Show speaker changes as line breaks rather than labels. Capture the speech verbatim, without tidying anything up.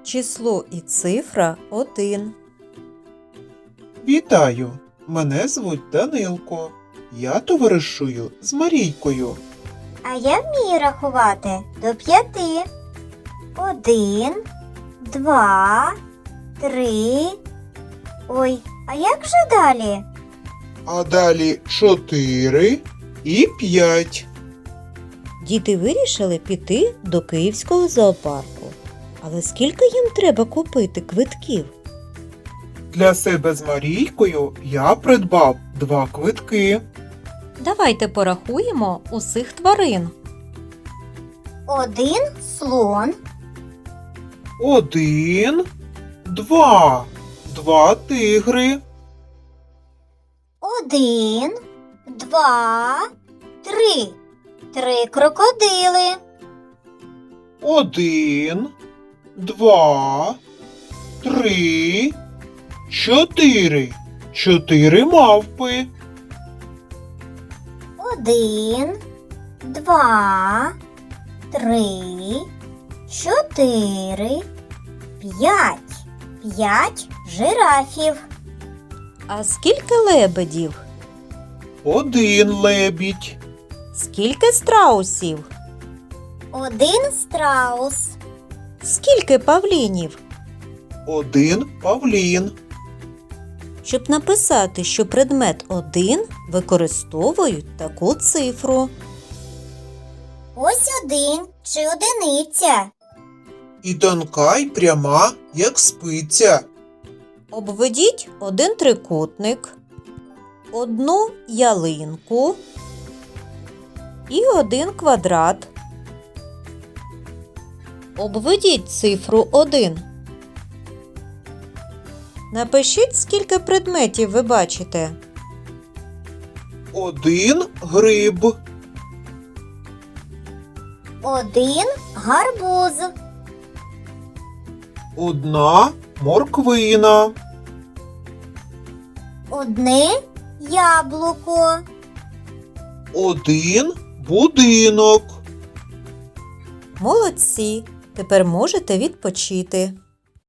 число і цифра один.
Вітаю! Мене звуть Данилко. Я товаришую з Марійкою.
А я вмію рахувати до п'яти. Один, два, три. Ой, а як же далі?
А далі чотири і п'ять.
Діти вирішили піти до Київського зоопарку. Але скільки їм треба купити квитків?
Для себе з Марійкою я придбав два квитки.
Давайте порахуємо усіх тварин.
Один слон,
Один, два. Два тигри.
один, два, три. Три крокодили.
Один, два, три, чотири. Чотири мавпи.
Один, два, три, чотири, п'ять. П'ять жирафів.
А скільки лебедів?
Один лебідь.
Скільки страусів?
Один страус.
Скільки павлінів?
Один павлін.
Щоб написати, що предмет один, використовують таку цифру.
Ось один чи одиниця.
І тонка й пряма, як спиця.
Обведіть один трикутник, одну ялинку і один квадрат. Обведіть цифру один. Напишіть, скільки предметів ви бачите.
Один гриб.
Один гарбуз.
Одна морквина.
Одне яблуко.
Один будинок.
Молодці! Тепер можете відпочити.